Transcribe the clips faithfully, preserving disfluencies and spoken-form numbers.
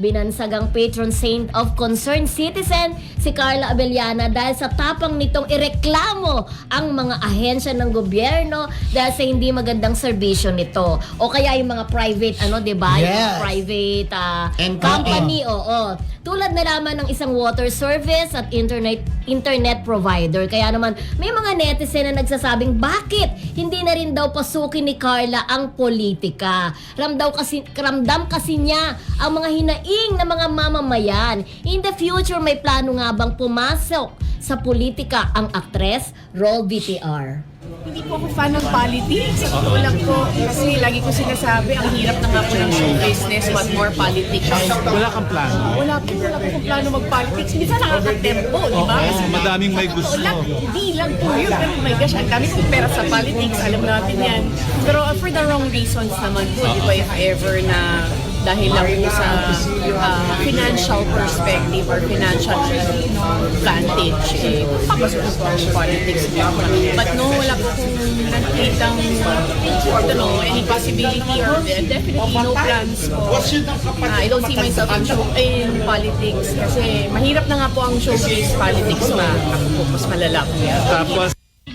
binansagang patron saint of concerned citizen si Carla Abellana dahil sa tapang nitong ireklamo ang mga ahensya ng gobyerno dahil sa hindi magandang serbisyo nito. O kaya yung mga private, ano, di ba? Yung mga Yes. private ah, And- company, oo. Tulad na lamang ng isang water service at internet internet provider. Kaya naman, may mga netizen na nagsasabing, bakit hindi na rin daw pasukin ni Carla ang politika? Ramdaw kasi, ramdam kasi niya ang mga hinaing ng mga mamamayan. In the future, may plano nga bang pumasok sa politika ang aktres? Roll V T R. Hindi po ako fan ng politics. Sa totoo lang po, kasi lagi ko sinasabi, ang hirap na nga po ng show business, what more politics. Wala kang plano. Wala po, wala po kung plano mag-politics. Minsan nakakatempo, di ba? Oo, Kasi madaming may sa gusto. totoo lang, hindi lang po yun. Pero oh my gosh, ang dami kong pera sa politics. Alam natin yan. Pero uh, for the wrong reasons naman po, di ba, if ever na dahil lang po sa uh, financial perspective or financial advantage, eh, papasok po ang politics. But no, wala po kung nakikitang, I don't know, any possibility or uh, definitely no plans po. Uh, I don't see myself in, show, in politics kasi mahirap na nga po ang showbiz politics pa. Ako po, mas malala po. Tapos,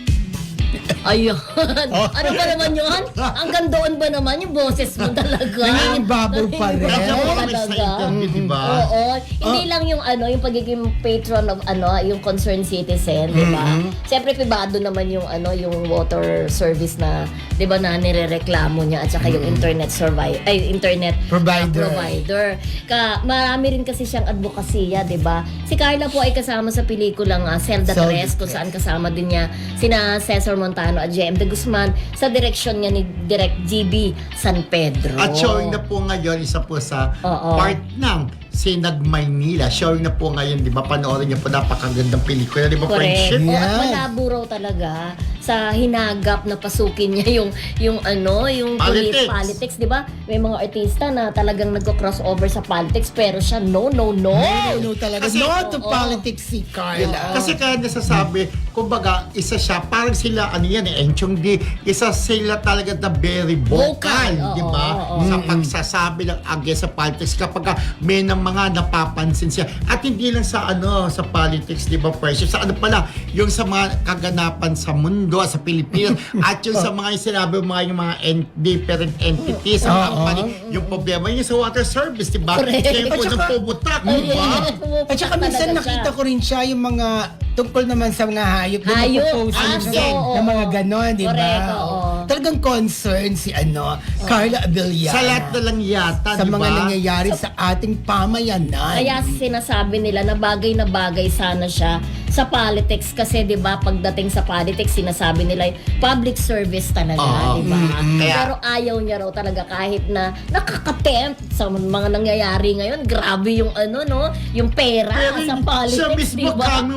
Ayun. Ano ba naman yun? Hanggang doon ba naman yung boses mo talaga? Nangingibabol pa rin. Nangingibabol Kami sa talaga. interview, di ba? Oo. Hindi lang yung ano, yung pagiging patron of ano, yung concerned citizen, di ba? Siyempre pribado naman yung ano, yung water service na, di ba, na nirereklamo niya at saka yung internet survive ay internet Provider. uh, provider. Ka marami rin kasi siyang advokasya, di ba? Si Carla po ay kasama sa pelikulang uh, Zelda Zelda Tres, kung saan kasama din niya sina Cesar Montano at J M De Guzman sa direksyon niya ni Direk G B San Pedro. At showing na po ngayon, isa po sa Oo. part ng Sinag Maynila. Showing na po ngayon, di ba? Panoorin niyo po, napakagandang pelikula, di ba? Correct. Friendship? Oo, at Yes. malabo raw talaga sa hinagap na pasukin niya yung yung ano, yung Politics. politics, politics, 'di ba? May mga artista na talagang nagko-crossover sa politics pero siya no, no, no. No, no talaga. Kasi- no to Oo. politics si Carla. Kasi kaya nasasabi, kumbaga, isa siya, parang sila, ano yan eh, Enchong D, isa sila talaga na very vocal, Vocal, oo, di ba? oo. Sa pagsasabi ng against sa politics kapag may ng mga napapansin siya. At hindi lang sa ano, sa politics, di ba, Precious? Sa ano pala, yung sa mga kaganapan sa mundo, sa Pilipinas, at yung sa mga yung sinabi mga yung mga en- different entities, sa mga Oo. pali- yung problema yung sa water service, di ba? Correct. Kaya po At nang saka- pumutak, di ba? At saka minsan Talaga nakita siya. ko rin siya yung mga tungkol naman sa mga hayop. na Hayop. nagpo-post Ah, ng- so, ng oo. mga ganon, di ba? Correct, oo. Talagang concern si ano, Carla Abellana. Sa lahat na lang yata, sa di ba? mga nangyayari sa ating pamayanan. Kaya sinasabi nila na bagay na bagay sana siya sa politics kasi 'di ba pagdating sa politics sinasabi nila public service talaga, Oo. 'di ba? Mm, kaya- Pero ayaw niya raw talaga kahit na nakakatempt sa mga nangyayari ngayon. Grabe yung ano no, yung pera Pero sa siya politics, mismo 'di ba? kami